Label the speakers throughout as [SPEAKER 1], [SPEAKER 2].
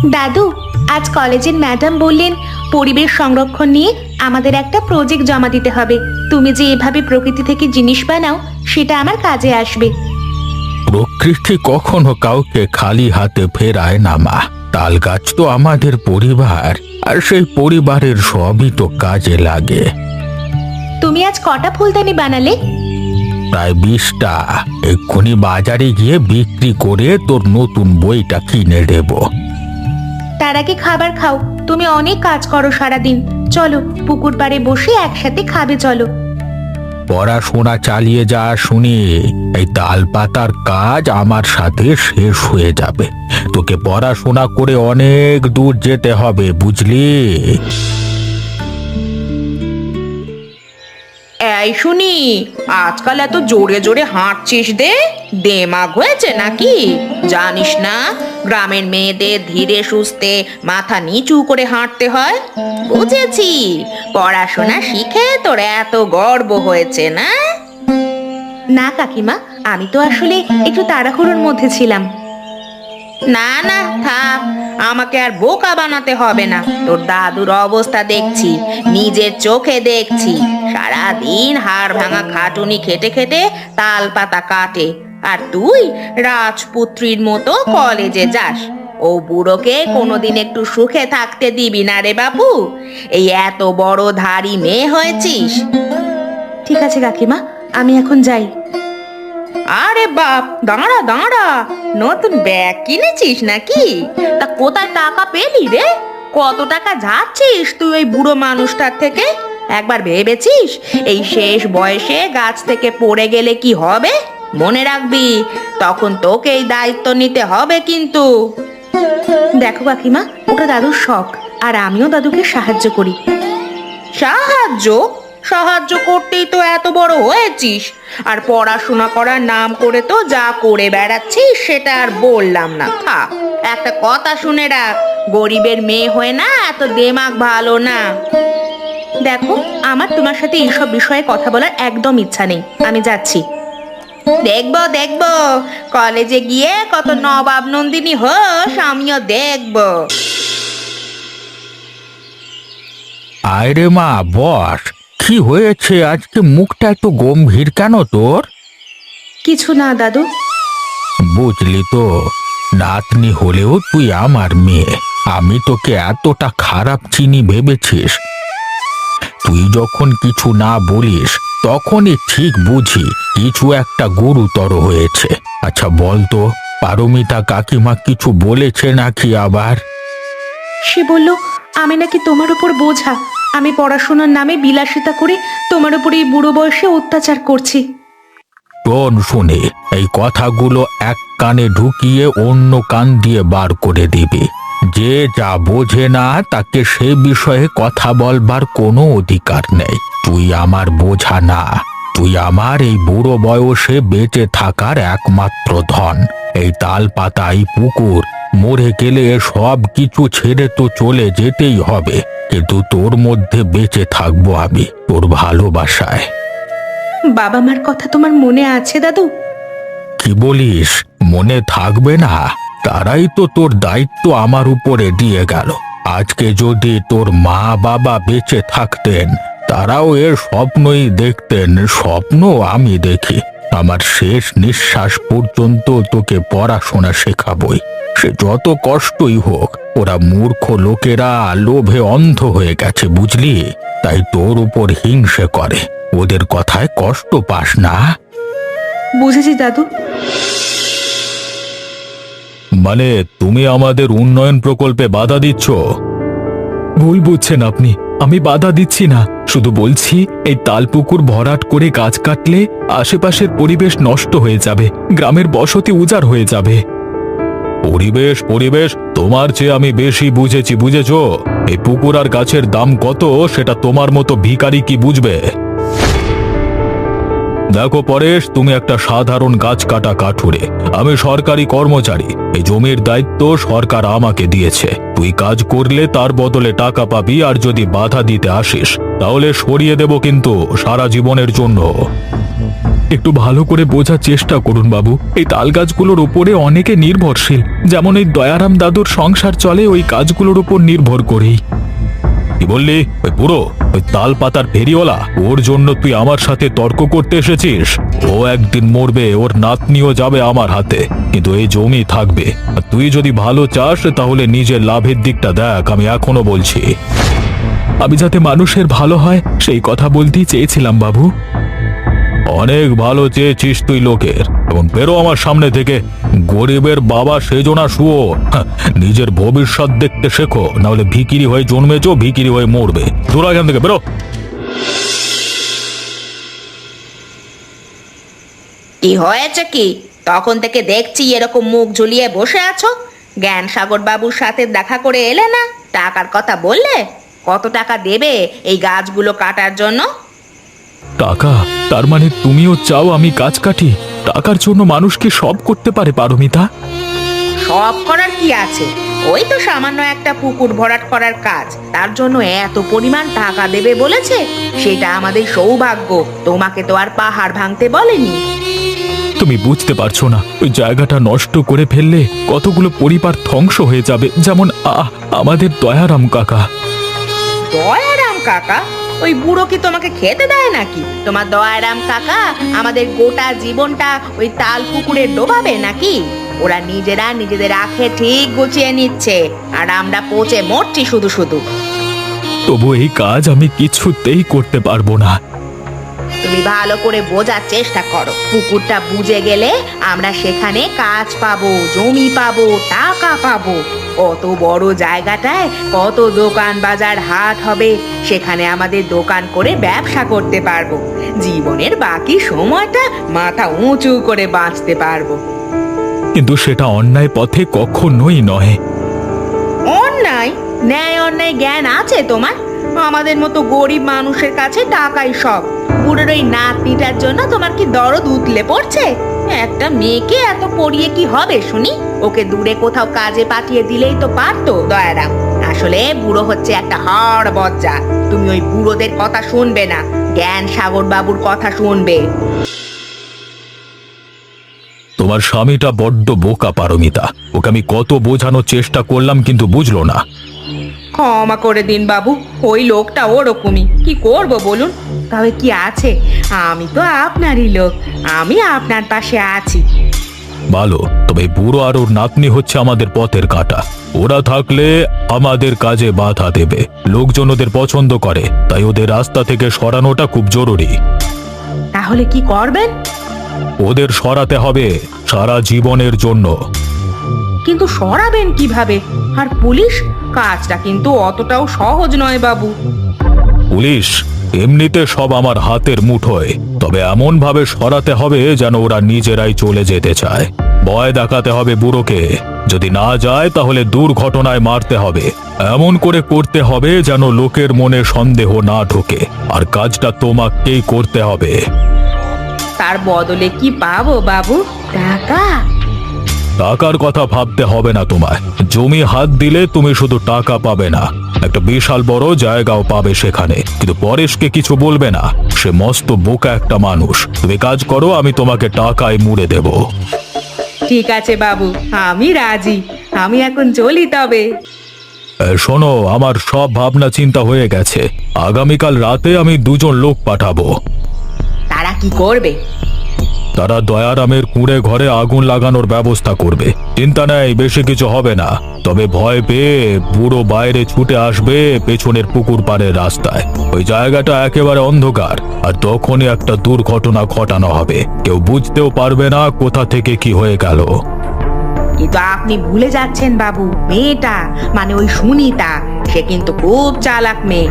[SPEAKER 1] দাদু, আজ কলেজের ম্যাডাম বললেন পরিবেশ সংরক্ষণ নিয়ে আমাদের একটা প্রজেক্ট জমা দিতে হবে। তুমি যে এভাবে প্রকৃতি থেকে জিনিস বানাও সেটা আমার কাজে আসবে।
[SPEAKER 2] প্রকৃতি কখনো কাউকে খালি হাতে ফেরায় না মা। তাল গাছ তো আমাদের পরিবার, আর সেই পরিবারের সবই তো কাজে লাগে।
[SPEAKER 1] তুমি আজ কটা ফুলদানি বানালে?
[SPEAKER 2] প্রায় 20টা। এক্ষুনি বাজারে গিয়ে বিক্রি করে তোর নতুন বইটা কিনে দেব।
[SPEAKER 1] তার আগে খাবার খাও, তুমি অনেক কাজ করো সারাদিন। চলো পুকুর পাড়ে বসে একসাথে খাবে চলো।
[SPEAKER 2] পড়াশোনা চালিয়ে যা শুনি, এই তাল পাতার কাজ আমার সাথে শেষ হয়ে যাবে। তোকে পড়াশোনা করে অনেক দূর যেতে হবে, বুঝলি?
[SPEAKER 3] এই শুনি, আজকাল এত জোরে জোরে হাঁটছিস দেমাগ হয়েছে নাকি? জানিস না গ্রামের মেয়েদের ধীরে সুস্থে মাথা নিচু করে হাঁটতে হয়? বুঝেছি, পড়াশোনা শিখে তোর এত গর্ব হয়েছে না?
[SPEAKER 1] না কাকিমা, আমি তো আসলে একটু তাড়াহুড়োর মধ্যে ছিলাম।
[SPEAKER 3] না না থাক, আমাকে আর বোকা বানাতে হবে না। তোর দাদুর অবস্থা দেখছি, নিজের চোখে দেখছি। সারাদিন হাড় ভাঙা খাটুনি খেটে খেটে তাল পাতা কাটে, আর তুই রাজপুত্রীর মতো কলেজে যাস। ও বুড়োকে কোনোদিন একটু সুখে থাকতে দিবি না রে বাবু। এই এত বড় ধাড়ি মেয়ে হয়েছিস।
[SPEAKER 1] ঠিক আছে কাকিমা, আমি এখন যাই।
[SPEAKER 3] আরে বাপ, দাঁড়া দাঁড়া, নতুন ব্যাগ কিনেছিস নাকি? তা কোথায় টাকা পেলি রে? কত টাকা যাচ্ছিস তুই ওই বুড়ো মানুষটার থেকে? একবার ভেবেছিস এই শেষ বয়সে গাছ থেকে পড়ে গেলে কি হবে? মনে রাখবি, তখন তোকে এই দায়িত্ব নিতে হবে কিন্তু।
[SPEAKER 1] দেখো কাকিমা, ওটা দাদুর শখ, আর আমিও দাদুকে সাহায্য করি।
[SPEAKER 3] সাহায্য সাহায্য করতেই তো এত বড় হয়েছিস, আর পড়াশোনা করার নাম করে তো যা করে বেড়াচ্ছিস সেটা আর বললাম না। থাক, একটা কথা শুনে রাখ, গরিবের মেয়ে হয়ে না এত দেমাগ ভালো না।
[SPEAKER 1] দেখো, আমার তোমার সাথে এইসব বিষয়ে কথা বলার একদম ইচ্ছা নেই। আমি যাচ্ছি।
[SPEAKER 3] দেখবো দেখবো, কলেজে গিয়ে কত নবাব নন্দিনী হোস আমিও দেখবো।
[SPEAKER 2] আরে মা, বস। কি হয়েছে আজকে? মুখটা এত গম্ভীর কেন তোর?
[SPEAKER 1] কিছু না দাদু।
[SPEAKER 2] বুঝলি তো, নাতনি হলেও তুই আমার মেয়ে। আমি তোকে এতটা খারাপ চিনি ভেবেছিস? তুই যখন কিছু না বলিস তখনই ঠিক বুঝি কিছু একটা গুরুতর হয়েছে। আচ্ছা বলতো, পারমিতা কাকিমা কিছু বলেছে নাকি আবার?
[SPEAKER 1] সে বলল আমি নাকি তোমার উপর বোঝা, আমি পড়াশোনার নামে বিলাসিতা করে তোমার উপর এই বুড়ো বয়সে অত্যাচার করছি।
[SPEAKER 2] শোন শুনে, এই কথাগুলো এক কানে ঢুকিয়ে অন্য কান দিয়ে বার করে দিবি। যে যা বোঝে না তাকে সে বিষয়ে কথা বলবার কোনো অধিকার নেই। তুই আমার বোঝা না, তুই আমার এই বুড়ো বয়সে বেঁচে থাকার একমাত্র ধন। এই তাল পাতা, এই পুকুর, মরে গেলে সব কিছু ছেড়ে তো চলে যেতেই হবে, কিন্তু তোর মধ্যে বেঁচে থাকবো আমি, তোর ভালোবাসায়।
[SPEAKER 1] বাবা মার কথা তোমার মনে আছে দাদু?
[SPEAKER 2] কি বলিস? মনে থাকবে না? তারাই তো তোর দায়িত্ব আমার উপরে দিয়ে গেল। আজকে যদি তোর মা বাবা বেঁচে থাকতেন, তারাও এর স্বপ্নই দেখতেন। স্বপ্ন আমি দেখি। আমার শেষ নিঃশ্বাস পর্যন্ত তোকে পড়াশোনা শেখাবই, সে যত কষ্টই হোক। ওরা মূর্খ লোকেরা লোভে অন্ধ হয়ে গেছে, বুঝলি? তাই তোর উপর হিংসে করে। ওদের কথায় কষ্ট পাস না।
[SPEAKER 1] বুঝেছি দাদু।
[SPEAKER 2] মানে তুমি আমাদের উন্নয়ন প্রকল্পে বাধা দিচ্ছ?
[SPEAKER 4] ভুল বুঝছেন আপনি, আমি বাধা দিচ্ছি না। শুধু বলছি এই তালপুকুর ভরাট করে গাছ কাটলে আশেপাশের পরিবেশ নষ্ট হয়ে যাবে, গ্রামের বসতি উজাড় হয়ে যাবে।
[SPEAKER 2] পরিবেশ পরিবেশ তোমার চেয়ে আমি বেশি বুঝেছি, বুঝেছো? এই পুকুর আর গাছের দাম কত সেটা তোমার মতো ভিখারি কি বুঝবে? দেখো পরেশ, তুমি একটা সাধারণ গাছ কাটা কাঠুরে, আমি সরকারি কর্মচারী। এই জমির দায়িত্ব সরকার আমাকে দিয়েছে। তুই কাজ করলে তার বদলে টাকা পাবি, আর যদি বাধা দিতে আসিস তাহলে সরিয়ে দেব কিন্তু সারা জীবনের জন্য।
[SPEAKER 4] একটু ভালো করে বোঝার চেষ্টা করুন বাবু। এই তাল গাছগুলোর উপরে অনেকে নির্ভরশীল, যেমন এই দয়ারাম দাদুর সংসার চলে ওই গাছগুলোর উপর নির্ভর করেই। কি বললি? ওই বুড়ো, ওই তাল পাতার ফেরিওয়ালা, ওর জন্য তুই আমার সাথে তর্ক করতে এসেছিস? ও একদিন মরবে, ওর নাতনিও যাবে আমার হাতে, কিন্তু এই জমি থাকবে। আর তুই যদি ভালো চাস তাহলে নিজের লাভের দিকটা দেখ, আমি এখনো বলছি। আমি যাতে মানুষের ভালো হয় সেই কথা বলতেই চেয়েছিলাম বাবু। অনেক ভালো চেয়েছিস তুই লোকের, এবং বেরো আমার সামনে থেকে। গরিবের বাবা সেজো না শুয়োর। নিজের ভবিষ্যৎ দেখতে শেখো, নাহলে ভিকিরি হয়ে জন্মেছো, ভিকিরি হয়ে মরবে। দূর এখান থেকে, বেরো।
[SPEAKER 3] কি হয়েছে কি? তখন থেকে দেখছি এরকম মুখ ঝুলিয়ে বসে আছো। জ্ঞান সাগর বাবুর সাথে দেখা করে এলে না? টাকার কথা বললে? কত টাকা দেবে এই গাছগুলো কাটার জন্য?
[SPEAKER 4] টাকা? তার মানে তুমিও চাও আমি গাছ কাটি? টাকার জন্য মানুষ কি সব করতে পারে পারমিতা?
[SPEAKER 3] সব করার কি আছে? ওই তো সামান্য একটা পুকুর ভরাট করার কাজ, তার জন্য এত পরিমাণ টাকা দেবে বলেছে। সেটা আমাদের সৌভাগ্য, তোমাকে তো আর পাহাড় ভাঙতে বলেনি।
[SPEAKER 4] তুমি বুঝতে পারছো না, ওই জায়গাটা নষ্ট করে ফেললে কতগুলো পরিবার ধ্বংস হয়ে যাবে, যেমন আমাদের দয়ারাম কাকা।
[SPEAKER 3] দয়ারাম কাকা? ওই বুড়ো কি তোমাকে খেতে দেয় নাকি? তোমার দয়ারাম কাকা আমাদের গোটা জীবনটা ওই তাল পুকুরে ডোবাবে নাকি? ওরা নিজেরা নিজেদের আখে ঠিক গুছিয়ে নিচ্ছে, আর আমরা পচে মরছি শুধু শুধু।
[SPEAKER 4] তবু এই কাজ আমি কিছুতেই করতে পারবো না।
[SPEAKER 3] তুমি ভালো করে বোঝার চেষ্টা করো। পুকুরটা বুঝে গেলে আমরা সেখানে কাজ পাবো, জমি পাবো, টাকা পাবো। কত বড় জায়গাটায় কত দোকান বাজার হাট হবে, সেখানে আমাদের দোকান করে ব্যবসা করতে পারবো। জীবনের বাকি সময়টা মাথা উঁচু করে বাঁচতে পারবো।
[SPEAKER 4] কিন্তু সেটা অন্যায় পথে কখনোই নয়।
[SPEAKER 3] অন্যায়? ন্যায় অন্যায় জ্ঞান আছে তোমার? আমাদের মতো গরিব মানুষের কাছে টাকাই সব। বুড়োর ওই নাতনিটার জন্য তোমার কি দরদ উতলে পড়ছে? একটা মেয়েকে এত পড়িয়ে কি হবে শুনি? ওকে দূরে কোথাও কাজে পাঠিয়ে দিলেই তো পারতো দয়ারাম। আসলে বুড়ো হচ্ছে একটা হাড় বজ্জা। তুমি ওই বুড়োদের কথা শুনবে না, জ্ঞান সাগর বাবুর কথা শুনবে।
[SPEAKER 4] তোমার স্বামীটা বড্ড বোকা পারমিতা। ওকে আমি কত বোঝানোর চেষ্টা করলাম, কিন্তু বুঝলো না।
[SPEAKER 3] ক্ষমা করে দিন বাবু, ওই লোকটা ওরকমই। কি করব বলুন? তবে কি আছে, আমি তো আপনারই লোক, আমি আপনার পাশে আছি।
[SPEAKER 4] ভালো, তবে বুড়ো আর ওর নাতনি হচ্ছে আমাদের পথের কাঁটা। ওরা থাকলে আমাদের কাজে বাধা দেবে। লোকজন ওদের পছন্দ করে, তাই ওদের রাস্তা থেকে সরানোটা খুব জরুরি।
[SPEAKER 3] তাহলে কি করবেন?
[SPEAKER 4] ওদের সরাতে হবে সারা জীবনের জন্য।
[SPEAKER 3] কিন্তু সরাবেন কিভাবে? আর পুলিশ? কাজটা কিন্তু অতটাও সহজ নয় বাবু।
[SPEAKER 4] পুলিশ এমনিতে সব আমার হাতের মুঠোয়, তবে এমন ভাবে সরাতে হবে যেন ওরা নিজেরাই চলে যেতে চায়। ভয় দেখাতে হবে বুড়োকে, যদি না যায় তাহলে দুর্ঘটনায় মারতে হবে। এমন করে করতে হবে যেন লোকের মনে সন্দেহ না ঢোকে, আর কাজটা তোমাকেই করতে হবে।
[SPEAKER 3] তার বদলে কি পাবো বাবু? টাকা?
[SPEAKER 4] টাকার কথা ভাবতে হবে না তোমায়। জমি হাত দিলে তুমি শুধু টাকা পাবে না, একটা বিশাল বড় জায়গাও পাবে সেখানে। কিন্তু পরেশকে কিছু বলবে না, সে মস্ত বোকা একটা মানুষ। তুমি কাজ করো, আমি তোমাকে টাকায় মুড়ে দেব।
[SPEAKER 3] ঠিক আছে বাবু, আমি রাজি। আমি এখন চলি তবে।
[SPEAKER 4] শোনো, আমার সব ভাবনা চিন্তা হয়ে গেছে। আগামীকাল রাতে আমি 2 লোক পাঠাবো।
[SPEAKER 3] তারা কি করবে?
[SPEAKER 4] তারা দয়ারামের কুঁড়ে ঘরে আগুন লাগানোর ব্যবস্থা করবে। চিন্তা নেই, বেশি কিছু হবে না। তবে ভয় পেয়ে বুড়ো বাইরে ছুটে আসবে পেছনের পুকুর পাড়ের রাস্তায়। ওই জায়গাটা একেবারে অন্ধকার, আর তখনই একটা দুর্ঘটনা ঘটানো হবে। কেউ বুঝতেও পারবে না কোথা থেকে কি হয়ে গেল।
[SPEAKER 3] কিন্তু আপনি ভুলে যাচ্ছেন বাবু, মেয়েটা মানে ওই সুনিতা, সে কিন্তু খুব চালাক মেয়ে।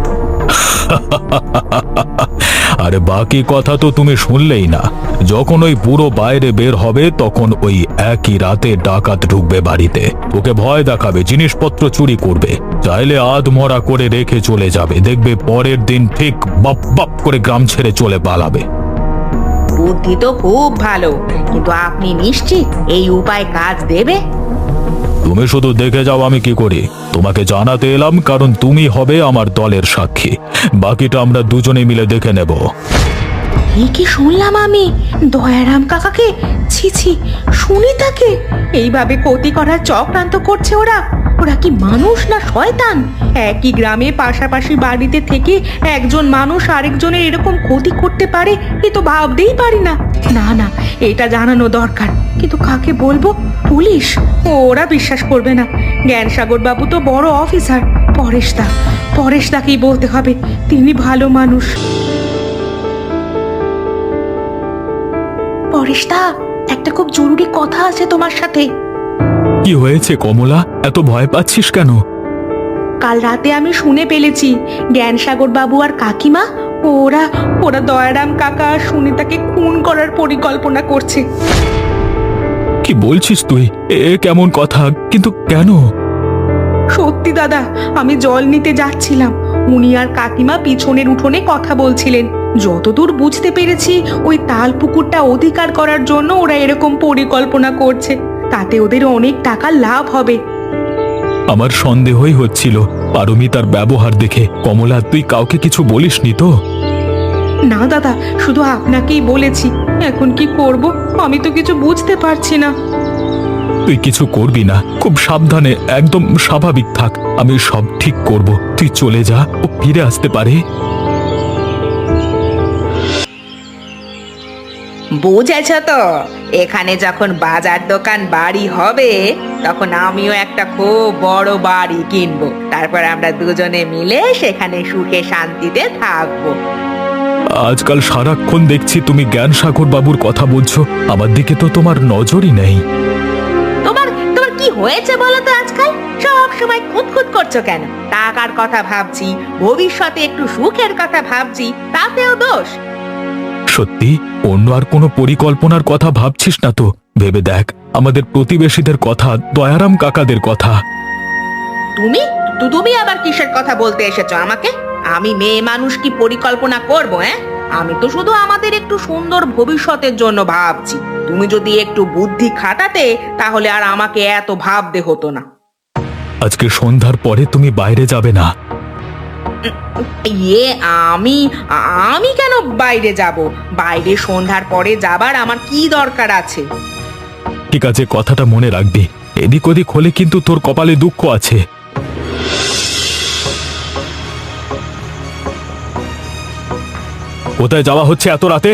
[SPEAKER 4] আরে বাকি কথা তো তুমি শুনলেই না। যখন ওই বুড়ো বাইরে বের হবে তখন ওই একই রাতে ডাকাত ঢুকবে বাড়িতে। ওকে ভয় দেখাবে, জিনিসপত্র চুরি করবে, চাইলে আধমরা করে রেখে চলে যাবে। দেখবে পরের দিন ঠিক বাপ বাপ করে গ্রাম ছেড়ে চলে পালাবে।
[SPEAKER 3] বুদ্ধি তো খুব ভালো, কিন্তু আপনি নিশ্চিত এই উপায় কাজ দেবে?
[SPEAKER 4] তুমি শুধু দেখে যাও আমি কি করি। তোমাকে জানাতে এলাম কারণ তুমি হবে আমার দলের সাক্ষী। বাকিটা আমরা দুজনে মিলে দেখে নেব।
[SPEAKER 1] এই কি শুনলাম আমি? দয়ারাম কাকাকে, ছি ছি, সুনিতাকে এইভাবে ক্ষতি করার চক্রান্ত করছে ওরা। ওরা কি মানুষ না শয়তান? একই গ্রামে পাশাপাশি বাড়িতে থেকে একজন মানুষ আরেকজনের এরকম ক্ষতি করতে পারে, এ তো ভাবতেই পারি না। না না, এটা জানানো দরকার, কিন্তু কাকে বলবো? পুলিশ? ওরা বিশ্বাস করবে না। জ্ঞানসাগর বাবু তো বড় অফিসার। পরেশদাকেই বলতে হবে, তিনি ভালো মানুষ। পরেশদা, একটা খুব জরুরি কথা আছে তোমার সাথে।
[SPEAKER 4] কি হয়েছে কমলা, এত ভয় পাচ্ছিস কেন?
[SPEAKER 1] কাল রাতে আমি শুনে ফেলেছি জ্ঞানসাগর বাবু আর কাকিমা ওরা ওরা দয়ারাম কাকা আর সুনিতাকে খুন করার পরিকল্পনা করছে।
[SPEAKER 4] কি বলছিস তুই? এ কেমন কথা? কিন্তু কেন?
[SPEAKER 1] সত্যি দাদা, আমি জল নিতে যাচ্ছিলাম, উনি আর কাকিমা পিছনের উঠোনে কথা বলছিলেন। যতদূর বুঝতে পেরেছি, ওই তাল পুকুরটা অধিকার করার জন্য ওরা এরকম পরিকল্পনা করছে। তাতে ওদের অনেক টাকা লাভ হবে।
[SPEAKER 4] আমার সন্দেহই হচ্ছিল পারমিতার ব্যবহার দেখে। কমলা, তুই কাউকে কিছু বলিসনি তো?
[SPEAKER 1] না দাদা, শুধু আপনাকেই বলেছি। এখন কি করব, আমি তো কিছু বুঝতে পারছি না।
[SPEAKER 4] তুই কিছু করবি না, খুব সাবধানে, একদম স্বাভাবিক থাক। আমি সব ঠিক করব, তুই চলে যা, ও ফিরে আসতে পারে।
[SPEAKER 3] বুঝেছ তো, এখানে যখন বাজার দোকান বাড়ি হবে তখন আমিও একটা খুব বড় বাড়ি কিনবো। তারপর আমরা দুজনে মিলে সেখানে সুখে শান্তিতে থাকবো।
[SPEAKER 4] আজকাল সারাক্ষণ দেখছি তুমি জ্ঞানসাগর বাবুর কথা বলছো, আমার দিকে তো তোমার নজরই নেই।
[SPEAKER 3] তোমার তোমার কি হয়েছে বলো তো? আজকাল সব সময় খুঁতখুত করছো কেন? টাকার কথা ভাবছি, ভবিষ্যতে একটু সুখের কথা ভাবছি, তাতেও দোষ?
[SPEAKER 4] সত্যি অন্য আর কোনো পরিকল্পনার কথা ভাবছিস না তো? ভেবে দেখ, আমাদের প্রতিবেশীদের কথা, দয়ারাম কাকাদের কথা।
[SPEAKER 3] তুমি তুমি আবার কিসের কথা বলতে এসেছো আমাকে? আমি মেয়ে মানুষ কি পরিকল্পনা করব? হ্যাঁ, আমি তো শুধু আমাদের একটু সুন্দর ভবিষ্যতের জন্য ভাবছি। তুমি যদি একটু বুদ্ধি খাটাতে তাহলে আর আমাকে এত ভাবতে হতো না।
[SPEAKER 4] আজকে সন্ধ্যার পরে তুমি বাইরে যাবে না।
[SPEAKER 3] ইয়ে, আমি আমি কেন বাইরে যাব? বাইরে সন্ধ্যার পরে যাবার আমার কি দরকার আছে?
[SPEAKER 4] ঠিক আছে, কথাটা মনে রাখবি। এদিক ওদিক হলে কিন্তু তোর কপালে দুঃখ আছে। কোথায় যাওয়া হচ্ছে এত রাতে?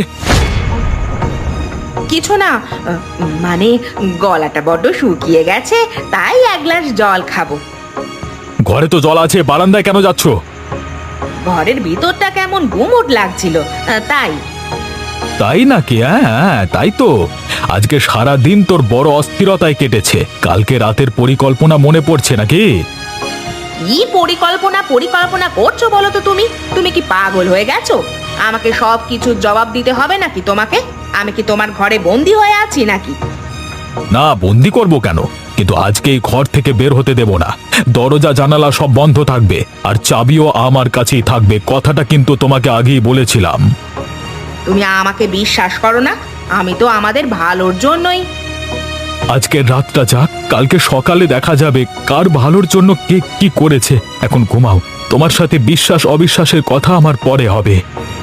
[SPEAKER 3] কিছু না, মানে গলাটা বড্ড শুকিয়ে গেছে, তাই এক গ্লাস জল খাবো।
[SPEAKER 4] ঘরে তো জল আছে, বারান্দায় কেন যাচ্ছ?
[SPEAKER 3] ঘরের ভিতরটা কেমন গুমোট লাগছিল, তাই।
[SPEAKER 4] তাই নাকি? হ্যাঁ, তাই তো। আজকে সারা দিন তোর বড় অস্থিরতায় কেটেছে। কালকে রাতের পরিকল্পনা মনে পড়ছে নাকি?
[SPEAKER 3] কি পরিকল্পনা করছো বলো তো? তুমি কি পাগল হয়ে গেছো? আমাকে সব কিছুর জবাব দিতে হবে নাকি তোমাকে? আমি কি তোমার ঘরে বন্দি হয়ে আছি নাকি?
[SPEAKER 4] না, বন্দি করব কেন? কিন্তু আজকে এই ঘর থেকে বের হতে দেব না। দরজা জানালা সব বন্ধ থাকবে, আর চাবিও আমার কাছেই থাকবে। কথাটা কিন্তু তোমাকে আগেই বলেছিলাম।
[SPEAKER 3] তুমি আমাকে বিশ্বাস করো না? আমি তো আমাদের ভালোর জন্যই।
[SPEAKER 4] আজকের রাতটা যাক, কালকে সকালে দেখা যাবে কার ভালোর জন্য কে কি করেছে। এখন ঘুমাও, তোমার সাথে বিশ্বাস অবিশ্বাসের কথা আমার পরে হবে।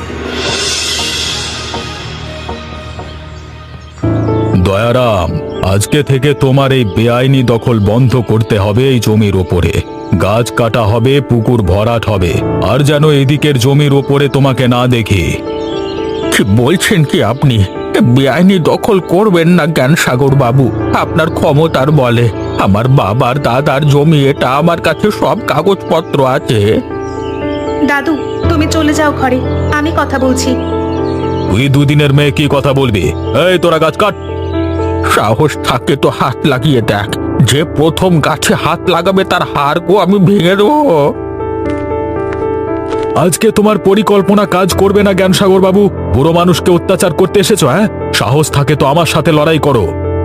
[SPEAKER 4] দয়ারাম, আজকে থেকে তোমার এই বেআইনি দখল বন্ধ করতে হবে এই জমির ওপরে। গাছ কাটা হবে, পুকুর ভরাট হবে, আর যেন এদিকের জমির ওপরে তোমাকে না দেখি।
[SPEAKER 2] কি বলছেন কি আপনি? বেআইনি দখল করবেন না জ্ঞানসাগর বাবু, আপনার ক্ষমতার বলে। আমার বাবার দাদার জমি এটা, আমার কাছে সব কাগজপত্র আছে।
[SPEAKER 1] দাদু, তুমি চলে যাও ঘরে, আমি কথা বলছি।
[SPEAKER 4] তুই দুদিনের মেয়ে কি কথা বলবি? এই তোরা গাছ কাট।
[SPEAKER 2] সাহস থাকে তো হাত লাগিয়ে দেখ, যে প্রথম গাছে হাত লাগাবে তার হাড়গো আমি ভেঙে দেবো।
[SPEAKER 4] আজকে তোমার পরিকল্পনা কাজ করবে না জ্ঞানসাগর বাবু। বুড়ো মানুষকে অত্যাচার করতে এসেছো? হ্যাঁ, সাহস থাকে তো আমার সাথে লড়াই করো।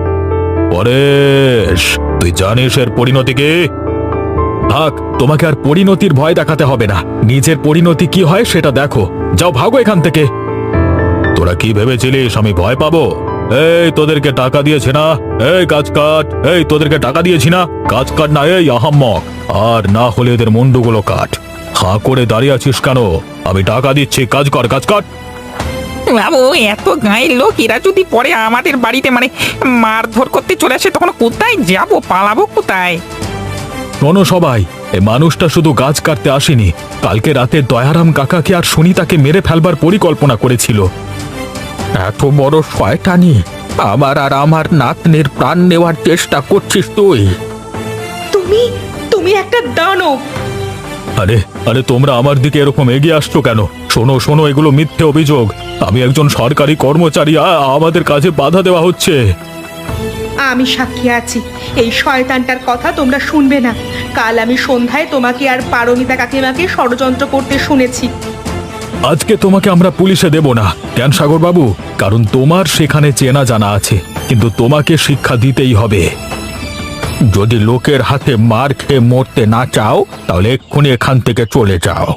[SPEAKER 4] পরেশ, তুই জানিস এর পরিণতি কি? থাক, তোমাকে আর পরিণতির ভয় দেখাতে হবে না। নিজের পরিণতি কি হয় সেটা দেখো। যাও, ভাগো এখান থেকে। তোরা কি ভেবেছিলিস আমি ভয় পাবো? এই তোদেরকে টাকা দিয়েছে না? এই কাজ কাট। এই তোদেরকে টাকা দিয়েছি না? কাজ কাট না, এই আহাম্মক। আর না হলে এদের মুন্ডুগুলো কাট। হাঁ করে দাঁড়িয়ে আছিস কেন? আমি টাকা দিচ্ছি, কাজ কর, কাজ কাট।
[SPEAKER 5] বাবু, এত গায়ের লোক এরা যদি পরে আমাদের বাড়িতে মানে মারধর করতে চলে আসে, তখন কোথায় যাব, পালাবো কোথায়?
[SPEAKER 4] শোনো সবাই, এই মানুষটা শুধু গাছ কাটতে আসেনি, কালকে রাতে দয়ারাম কাকাকে আর সুনিতাকে মেরে ফেলবার পরিকল্পনা করেছিল।
[SPEAKER 2] এত বড় শয়তানি! আমার আর আমার নাতনির প্রাণ নেওয়ার চেষ্টা করছিস তুই?
[SPEAKER 1] তুমি তুমি একটা দানব।
[SPEAKER 4] আরে আরে, তোমরা আমার দিকে এরকম এগিয়ে আসছো কেন? শোনো শোনো, এগুলো মিথ্যে অভিযোগ। আমি একজন সরকারি কর্মচারী, আমাদের কাজে বাধা দেওয়া হচ্ছে।
[SPEAKER 1] আমি সাক্ষী আছি, এই শয়তানটার কথা তোমরা শুনবে না। কাল আমি সন্ধ্যায় তোমাকে আর পারমিতা কাকিমাকে ষড়যন্ত্র করতে শুনেছি।
[SPEAKER 4] আজকে তোমাকে আমরা পুলিশে দেব না, কেন সাগর বাবু? কারণ তোমার সেখানে চেনা জানা আছে, কিন্তু তোমাকে শিক্ষা দিতেই হবে।
[SPEAKER 2] যদি লোকের হাতে মার খেয়ে মরতে না চাও, তাহলে এক্ষুনি এখান থেকে চলে যাও।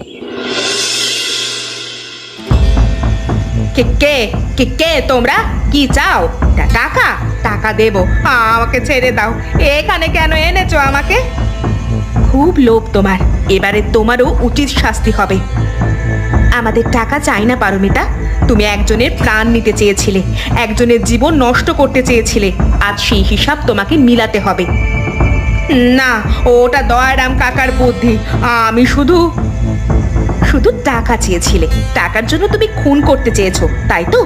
[SPEAKER 1] কে কে কে কে তোমরা? কি চাও? টাকা? টাকা দেব, আমাকে ছেড়ে দাও। এখানে কেন এনেছো আমাকে? খুব লোভ তোমার, এবারে তোমারও উচিত শাস্তি হবে। আমাদের টাকা চাই না পারমিতা। তুমি একজনের প্রাণ নিতে চেয়েছিলে, একজনের জীবন নষ্ট করতে চেয়েছিলে। আজ সেই হিসাব তোমাকে মিলাতে হবে। না, ওটা দয়ারাম কাকার বুদ্ধি। আমি শুধু টাকা চেয়েছিলে, টাকার জন্য তুমি খুন করতে চেয়েছো, তাই তো?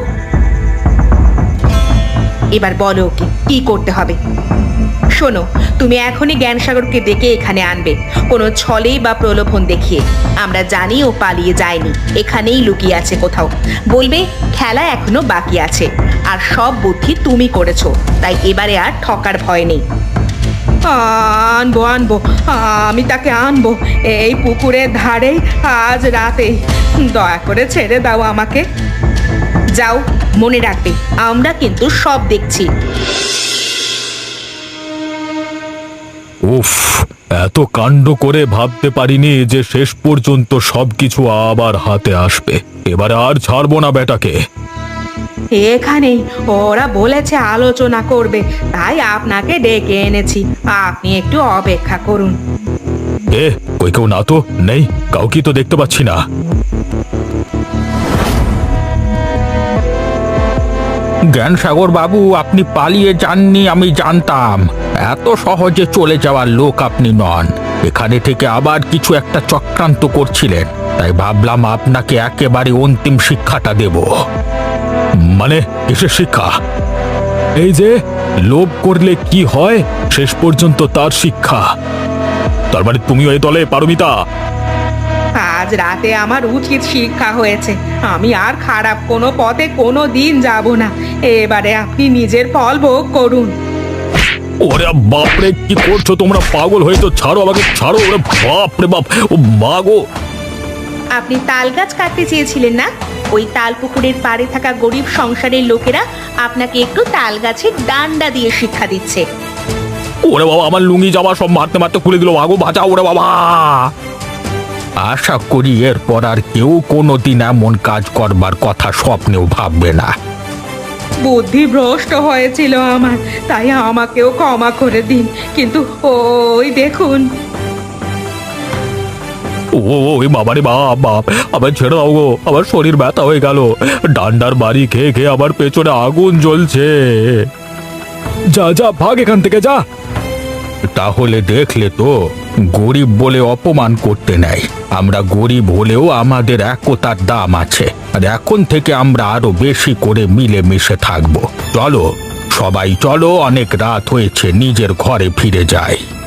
[SPEAKER 1] এবার বলো ওকে কি করতে হবে। শোনো, তুমি এখনই জ্ঞানসাগরকে ডেকে এখানে আনবে, কোনো ছলেই বা প্রলোভন দেখিয়ে। আমরা জানি ও পালিয়ে যায়নি, এখানেই লুকিয়ে আছে কোথাও। বলবে খেলা এখনো বাকি আছে, আর সব বুদ্ধি তুমি করেছো, তাই এবারে আর ঠকার ভয় নেই। আনবো আনবো, আমি তাকে আনবো এই পুকুরের ধারেই আজ রাতেই। দয়া করে ছেড়ে দাও আমাকে। যাও, মনে রাখবে আমরা কিন্তু সব দেখছি।
[SPEAKER 4] উফ, এত কাণ্ড করে ভাবতে পারিনি যে শেষ পর্যন্ত সবকিছু আবার হাতে আসবে। এবারে আর ছাড়বো না বেটাকে।
[SPEAKER 1] এখানেই ওরা বলেছে আলোচনা করবে, তাই আপনাকে ডেকে এনেছি। আপনি একটু অপেক্ষা করুন।
[SPEAKER 4] কই কেউ না তো? নেই, কাউকে তো দেখতে পাচ্ছি না।
[SPEAKER 2] জ্ঞানসাগর বাবু, আপনি পালিয়ে যাননি আমি জানতাম। এত সহজে চলে যাওয়ার লোক আপনি নন। এখানে থেকে আবার কিছু একটা চক্রান্ত করছিলেন, তাই ভাবলাম আপনাকে একেবারে অন্তিম শিক্ষাটা দেব।
[SPEAKER 4] মানে কিসের শিক্ষা? এই যে লোভ করলে কি হয়, শেষ পর্যন্ত তার শিক্ষা। তার মানে তুমিও এই দলে, পারমিতা?
[SPEAKER 1] আজ রাতে আমার উচিত শিক্ষা হয়েছে। আমি আর খারাপ কোনো পথে কোনো দিন যাব না। এবারে আপনি নিজের ফল ভোগ করুন।
[SPEAKER 4] ওরে বাপরে, কি করছো তোমরা? পাগল হয়ে তো ছাড়ো আমাকে, ছাড়ো। ওরে বাপরে বাপ, ও মা গো!
[SPEAKER 1] আপনি তাল গাছ কাটতে চেয়েছিলেন না? ওই তাল পুকুরের পাড়ে থাকা গরিব সংসারের লোকেরা আপনাকে একটু তাল গাছের ডান্ডা দিয়ে শিক্ষা দিচ্ছে।
[SPEAKER 4] ওরে বাবা, আমার লুঙ্গি জামা সব মারতে মারতে খুলে দিল। আগো বাঁচাও, ওরে বাবা!
[SPEAKER 2] আশা করি এরপর আর কেউ কোনোদিন এমন কাজ করবার কথা স্বপ্নেও ভাববে না।
[SPEAKER 1] বুদ্ধি ভ্রষ্ট হয়েছিল আমার, তাই আমাকেও ক্ষমা করে দিন। কিন্তু ওই দেখুন।
[SPEAKER 4] ওই বাবারে বাপ বাপ, আবার ছেড়ে দাও গো, আমার শরীর ব্যথা হয়ে গেল। ডান্ডার বাড়ি খেয়ে খেয়ে আবার পেছনে আগুন জ্বলছে। যা যা, ভাগ এখান থেকে, যা।
[SPEAKER 2] তাহলে দেখলে তো, গরিব বলে অপমান করতে নেই। আমরা গরিব হলেও আমাদের একতার দাম আছে, আর এখন থেকে আমরা আরো বেশি করে মিলেমিশে থাকবো। চলো সবাই, চলো, অনেক রাত হয়েছে, নিজের ঘরে ফিরে যাই।